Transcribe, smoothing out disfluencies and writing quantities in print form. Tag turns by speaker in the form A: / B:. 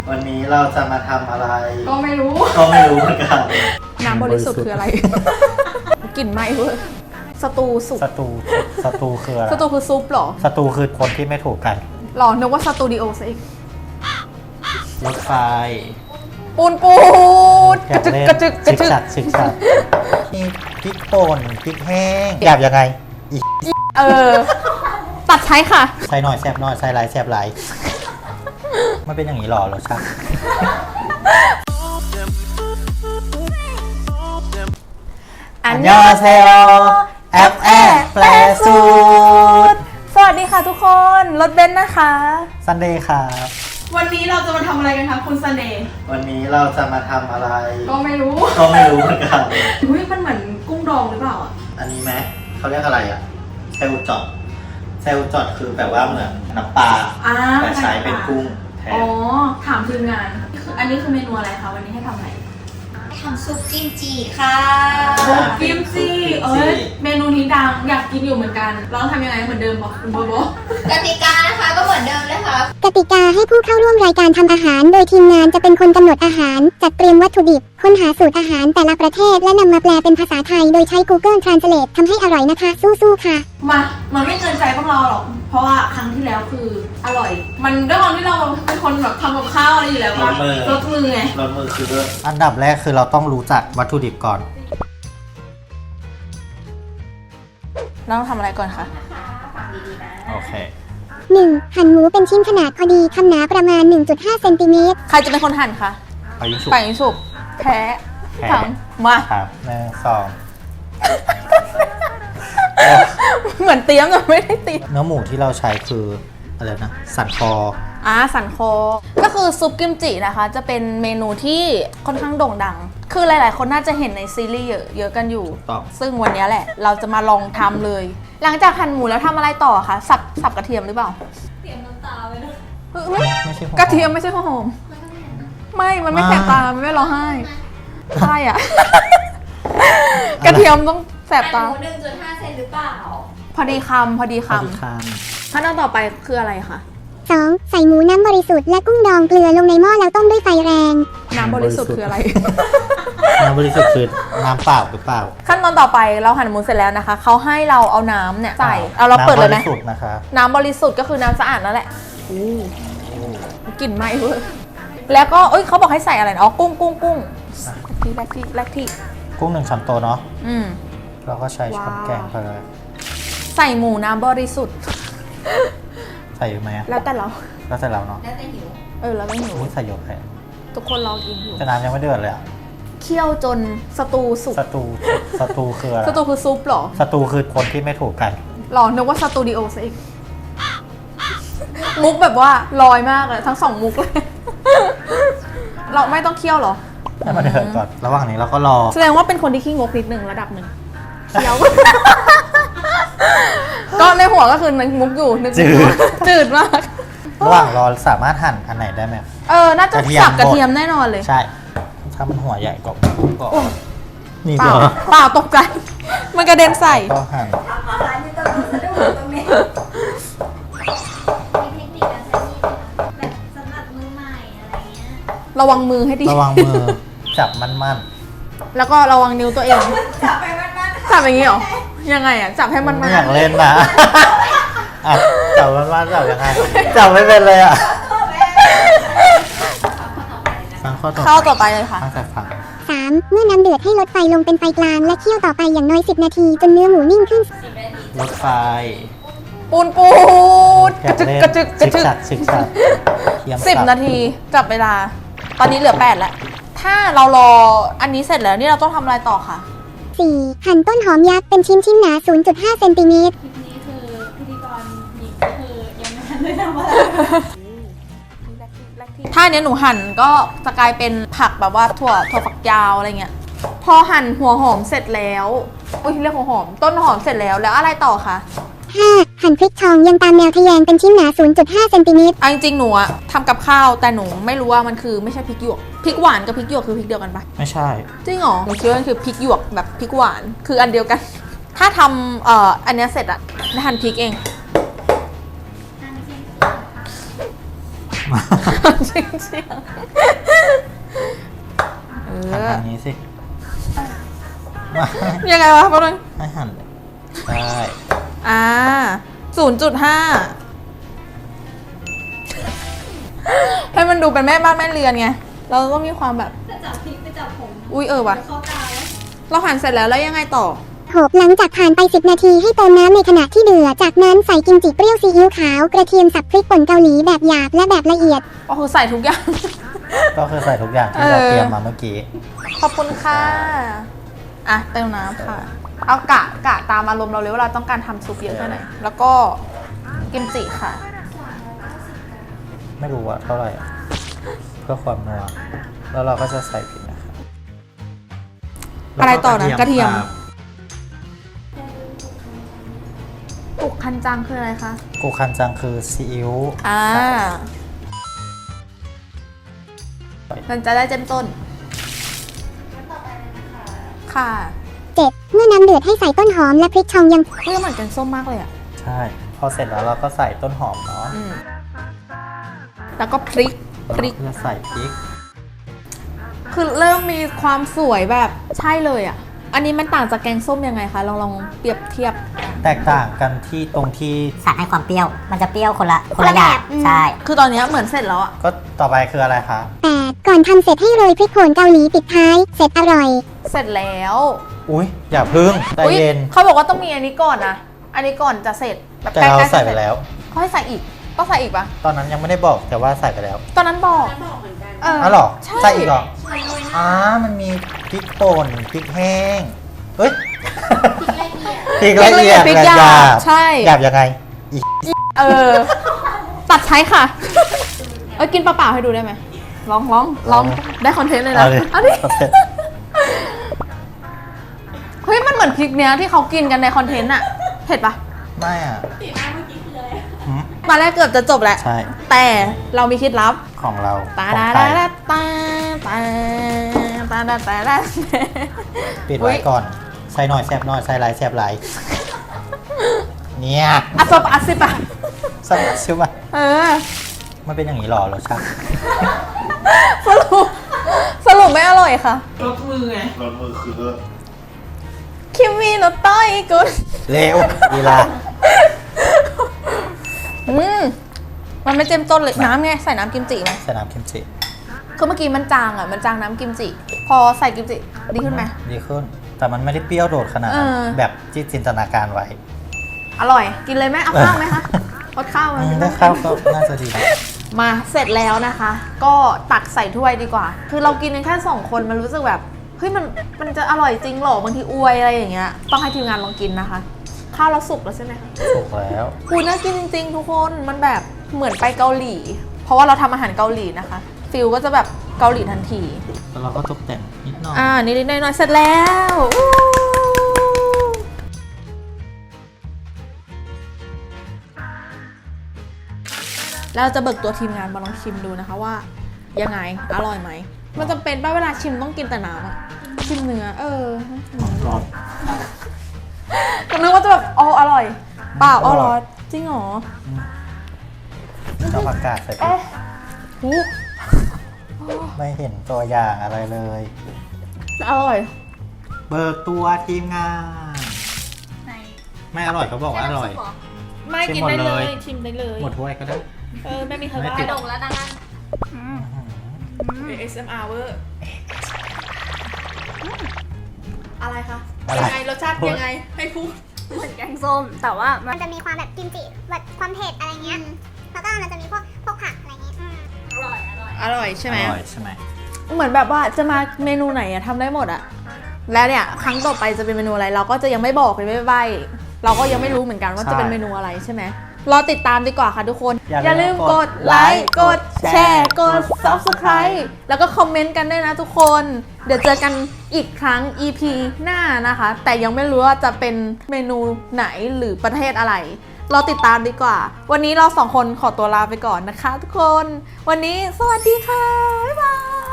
A: วันนี้เราจะมาทำอะไร
B: ก็ไม่รู้
A: เหมือนกัน
B: น้ำบริสุทธิ์คืออะไร กลิ่นไหม้เว้ยสตูสุก
A: สตูคืออะไร
B: สตูคือซุปหรอ
A: สตูคือคนที่ไม่ถูกกัน
B: หรอนึกว่าสตูดิโอซะอีก
A: รถไฟ
B: ปูนกระจึก
A: ชิกชัดนี่พริกป่นพริกแห้งหยาบยังไง
B: ตัดใช้ค่ะ
A: ใส่หน่อยแซ่บหน่อยใส่หลายแซ่บหลายมันเป็นอย่างนี้หรอรสชาติ
B: อันยอเซโอ
A: แอปแปลสูตร
B: สวัสดีค่ะทุกคนรถเบนซ์นะคะ
A: ซันเดย์ครับ
B: วันนี้เราจะมาทำอะไรกันคะคุณซันเดย์
A: วันนี้เราจะมาทำอะไร
B: ก็ไม่รู้
A: เหมือนกัน
B: อุ้ยมันเหมือนกุ้งดองหรือเปล่าอ่ะ
A: อันนี้ไหมเขาเรียกอะไรอ่ะเซลจอดคือแบบว่าเหมือนน้ำปลาแต่ใช้เป็นกุ้งแทน
B: อ๋อถามทีมงานอันนี้คือเมนูอะไรคะวันนี้ให้ทำอะไร
C: ทำซุปกิมจิค่ะ
B: ซุปกิมจิเมนูนี้ดังอยากกินอยู่เหมือนกันเราทำยังไงเหมือนเดิมบอกคุณโบโบ
C: กติกานะคะก็เหมือนเดิมเลยค่ะ
D: กติกาให้ผู้เข้าร่วมรายการทำอาหารโดยทีมงานจะเป็นคนกำหนดอาหารจัดเตรียมวัตถุดิบค้นหาสูตรอาหารแต่ละประเทศและนำมาแปลเป็นภาษาไทยโดยใช้ Google Translate ทำให้อร่อยนะคะสู้ๆค่ะ
B: มันไม่เกินใจพวกเราหรอกเพราะว่าครั้งที่แล้วคืออร่อยมันด้วยความที่เราเป็นคนแบบทำกับข้าวอะไรอยู่แล้วว่ารสมือไง
A: รสมือคือด้วยอันดับแรกคือเราต้องรู้จักวัตถุดิบก่อน
B: เราต้องทำอะไรก่อนคะ
A: โอเค
D: 1. หั่นหมูเป็นชิ้นขนาดพอดีคำหนาประมาณ 1.5 เซนติเมตร
B: ใครจะเป็นคนหั่นคะ
A: ไปยิง
B: สุกแพ้ถังมา
A: ครับ1 2
B: เหมือนเตรียมแต่ไม่ได้เตรียม
A: เนื้อหมูที่เราใช้คืออะไรนะสันคอ
B: สันคอก็คือซุปกิมจินะคะจะเป็นเมนูที่ค่อนข้างโด่งดังคือหลายๆคนน่าจะเห็นในซีรีส์เยอะกันอยู่ซึ่งวันนี้แหละเราจะมาลองทำเลยหลังจากหั่นหมูแล้วทำอะไรต่อคะสับกระเทียมหรือเปล่า
C: เตรียมน้ำตาไว้ด้วย
A: ไม่ใช่
B: กระเทียมไม่ใช่หอมมันไม่แสบตามันไม่ร้องไห้ใช่อ่ะกระเทียมต้องแสบตา
C: 1.5 เซนหรือเปล่า
B: พอดีคำขั้นตอนต่อไปคืออะไรคะ
D: 2. ใส่หมูน้ำบริสุทธิ์และกุ้งดองเกลือลงในหม้อแล้วต้มด้วยไฟแรง
B: น้ำบริสุทธิ์คืออะไร
A: น้ำบริสุทธิ์คือน้ำเปล่าหรือเปล่า
B: ขั้นตอนต่อไปเราหั่นหมูเสร็จแล้วนะคะเขาให้เราเอาน้ำเนี่ยใส่เราเปิดเลยไหม
A: น้ำบริสุทธิ์นะคะ
B: น้ำบริสุทธิ์ก็คือน้ำสะอาดนั่นแหละกลิ่นไหม้เว้ยแล้วก็เขาบอกให้ใส่อะไรนะกุ้งแรกที่
A: กุ้ง1 ช้อนโต๊ะเนาะเราก็ใช้ช้อนแกงไปเลย
B: ใส่หมูน้ำบริสุทธิ์
A: ใส่ไหม
B: แล้วแต่เรา
A: เนาะ
C: แล้วแต่หิว
B: แล้วไม่หิว
A: ใส่หยดแค่
B: ทุกคนรอกินอยู่
A: แต่น้ำยังไม่เดือดเลยอะ
B: เคี่ยวจนสตูสุก
A: สตูคืออะไร
B: สตูคือซุปหรอ
A: สตูคือคนที่ไม่ถูกกัน
B: หรอนึกว่าสตูดิโอซะอีกมุกแบบว่าลอยมากเลยทั้ง2มุกเลยเราไม่ต้องเคี่ยวหรอ
A: ให้มันเดือดก่อนระหว่างนี้เราก็รอ
B: แสดงว่าเป็นคนที่ขี้งกนิดนึงระดับหนึ่งเคี้ยวก็ในหัวก็คือนึกมุกอยู่นึกจืดมาก
A: ระหว่างรอสามารถหั่นอันไหนได้ไหม
B: น่าจะสับกระเทียมแน่นอนเลย
A: ใช่ถ้ามันหัวใหญ่ก็นี่
B: เปล่าตกใจมันกระเด็นใส่
A: ก็หั่น
B: ระวังมือให้ดี
A: ระวังมือจับมั่น
B: แล้วก็ระวังนิ้วตัวเอง
C: จับไปมั่น
B: จับอย่างนี้หรอยังไงจับให้มัน
A: ไม่อยากเล่นนะจับมั่นจับยังไงจับไม่เป็นเลย
B: ข้อต่อไปเลยค่ะ
D: 3. เมื่อน้ำเดือดให้ลดไฟลงเป็นไฟกลางและเคี่ยวต่อไปอย่างน้อย10 นาทีจนเนื้อหมูนิ่งขึ้น
A: ลดไฟ
B: ปูนกระจึก10 นาทีจับเวลาตอนนี้เหลือ8แล้วถ้าเรารออันนี้เสร็จแล้วนี่เราต้องทำอะไรต่อคะ
D: 4. หั่นต้นหอมยักษ์เป็นชิ้นหนา 0.5 เซนติเมตร
C: คลิปนี้คือพิธีกรหญิงก็คือยังไม่ทันได้ทำอะไร
B: ถ้าเนี้ยหนูหั่นก็จะกลายเป็นผักแบบว่าถั่วฝักยาวอะไรเงี้ยพอหั่นหัวหอมเสร็จแล้วเรียกหัวหอมต้นหอมเสร็จแล้วอะไรต่อคะ
D: 5. หั่นพริกทองยังตามแนวทะแยงเป็นชิ้นหนา 0.5 เซนติเมตร
B: จริงๆหนูอะทำกับข้าวแต่หนูไม่รู้ว่ามันคือไม่ใช่พริกหยวกพริกหวานกับพริกหยวกคือพริกเดียวกันปะ
A: ไม่ใช่
B: จริงเหรอหนูคิดว่ามันคือพริกหยวกแบบพริกหวานคืออันเดียวกันถ้าทำอันนี้เสร็จอะหั่นพริกเองเชียงเชียง
A: หันทางนี้สิ
B: ยังไงวะพ่อนึง
A: ให้หันเลยใช่
B: 0.5 ให้มันดูเป็นแม่บ้านแม่เรือนไงเราต้องมีความแบบ
C: จะจับพริกไปจับผม
B: อุ้ยว่ะ
C: เข้าตาแล้ว
B: เราหั่นเสร็จแล้วยังไงต่อ
D: 6หลังจากผ่านไป10นาทีให้เติมน้ำในขณะที่เดือดจากนั้นใส่กิมจิเปรี้ยวซีอิ๊วขาวกระเทียมสับพริกป่นเกาหลีแบบหยาบและแบบละเอียด
B: ใส่ทุกอย่าง
A: ก็คือใส่ทุกอย่างที่เราเตรียมมาเมื่อกี้
B: ขอบคุณค่ะเติมน้ำค่ะเอากะตามอารมณ์เราเลยว่าเราต้องการทำซุปเยอะแค่ไหนแล้วก็กิมจิค่ะ
A: ไม่รู้ว่าเท่าไหร่เพื่อความนัวแล้วเราก็จะใส่พริกนะคะ
B: อะไรต่อนะกระเทียมกุกคันจังคืออะไรคะ
A: กุกคันจังคือซีอิ๊ว
B: มันจะได้เจ้มต้นค่ะ
D: 7เมื่อน้ำเดือดให้ใส่ต้นหอมและพริกชองยัง
B: เพื่อเหมือนกันส้มมากเลยอ่ะ
A: ใช่พอเสร็จแล้วเราก็ใส่ต้นหอมเนาะ
B: แล้วก็พริก
A: จะใส่พริก
B: คือเริ่มมีความสวยแบบใช่เลยอ่ะอันนี้มันต่างจากแกงส้มยังไงคะลองเปรียบเทียบ
A: แตกต่างกันที่ตรงที่
E: สารให้ความเปรี้ยวมันจะเปรี้ยวคนละอย่างใช่
B: คือตอนนี้เหมือนเสร็จแล้วอ่ะ
A: ก็ต่อไปคืออะไรคะ
D: 8ก่อนทำเสร็จให้โรยพริกโขนเกาหลีปิดท้ายเสร็จอร่อย
B: เสร็จแล้ว
A: อุ้ยอย่าพึ่งใจเย็น
B: เขาบอกว่าต้องมีอันนี้ก่อนนะอันนี้ก่อนจะเสร็จ
A: แบบแต่เราใส่ไปแล้ว
B: เขาให้ใส่อีกต้องใส่อีกปะ
A: ตอนนั้นยังไม่ได้บอกแต่ว่าใส่ไปแล้ว
B: ตอนนั้นบอก
C: เหมือนกัน
A: หรอใส่อีกหรอมันมีพริกป่นพริกแห้งเฮ้ยพริกละเอียด
B: พริกหยาบใช่
A: หยาบยังไง
B: ตัดใช้ค่ะกินเปล่าๆให้ดูได้ไหมลองได้คอนเทนต์เลยนะอันนี้เฮ้ยมันเหมือนพริกเนี้ยที่เขากินกันในคอนเทนต์อะเผ็ดปะ
A: ไม่อะ
C: สีหน้าเมื่อกี้คืออะไร
B: มาแรกเกือบจะจบแล้ว
A: ใช่
B: แต่เรามีเคล็ดลับ
A: ของเรา
B: ตา
A: ปิดไว้ก่อนใส่หน่อยแซ่บหน่อยใส่หลายแซ่บหลายเนี่ย
B: ซบซิปะ
A: ซับซิปะมันเป็นอย่างนี้หรอรสชาติ
B: สรุปไม่อร่อยค่ะ
C: รสมือไง
A: รสมือคือ
B: คิมมี่โนต้อยกุน
A: เร็วดีละ
B: มันไม่เต็มต้นเลยน้ำไงใส่น้ำกิมจิไหม
A: ใส่น้ำกิมจิ
B: คือเมื่อกี้มันจางน้ำกิมจิพอใส่กิมจิดีขึ้นไหม
A: ดีขึ้นแต่มันไม่ได้เปรี้ยวโดดขนาดแบบที่จินตนาการไว้
B: อร่อยกินเลยไหมเอาข้าวไหมคะรสข้าว
A: ได้ข้าวก็น่าจะดี
B: มาเสร็จแล้วนะคะ ก็ตักใส่ถ้วยดีกว่าคือเรากินกันแค่2คนมันรู้สึกแบบเฮ้ยมันจะอร่อยจริงหรอบางทีอวยอะไรอย่างเงี้ยต้องให้ทีมงานลองกินนะคะข้าวเราสุกแล้วใช่ไหมคะ
A: สุกแล้ว
B: คุณน่ากินจริงๆทุกคนมันแบบเหมือนไปเกาหลีเพราะว่าเราทำอาหารเกาหลีนะคะฟิลก็จะแบบเกาหลีทันที
A: แล้วเราก็ตกแต่งนิดหน่อย
B: นิดหน่อยเสร็จแล้วเราจะเบิกตัวทีมงานมาลองชิมดูนะคะว่ายังไงอร่อยไหมมันจำเป็นป่ะเวลาชิมต้องกินแต่น้ำอะชิมเนื้อ
A: ร้อน
B: ก็นึกว่าจะแบบอร่อยเปล่าร้อนจริงเหรอ
A: เอาผักกาดใส่ไปไม่เห็นตัวอย่างอะไรเลย
B: อร่อย
A: เบิกตัวทีมงานไม่อร่อยเขาบอกว่าอร่อย
B: ไม่กินได้เลยชิมได้เลย
A: หมดถ้วยก็ได้
B: ไม่มีใครว่าดงแล้วดังนั้นASMR เวอร์อะไรคะยังไงรสชาติยังไงให้พูด
C: เหมือนแกงส้มแต่ว่า
D: มันจะมีความแบบกิมจิแบบความเผ็ดอะไรเงี้ยแล้วก็มันจะมีพวกผักอะไรเงี้ย
B: อร่อยใช่ไหม
A: เห
B: มือนแบบว่าจะมาเมนูไหนอะทำได้หมดอะแล้วเนี่ยครั้งต่อไปจะเป็นเมนูอะไรเราก็จะยังไม่บอกเลยไม่ใบเราก็ยังไม่รู้เหมือนกันว่าจะเป็นเมนูอะไรใช่ไหมรอติดตามดีกว่าค่ะทุกคนอย่าลืมกดไลค์กดแชร์กด Subscribe แล้วก็คอมเมนต์กันด้วยนะทุกคนเดี๋ยวเจอกันอีกครั้ง EP หน้านะคะแต่ยังไม่รู้ว่าจะเป็นเมนูไหนหรือประเทศอะไรรอติดตามดีกว่าวันนี้เรา2คนขอตัวลาไปก่อนนะคะทุกคนวันนี้สวัสดีค่ะบ๊ายบาย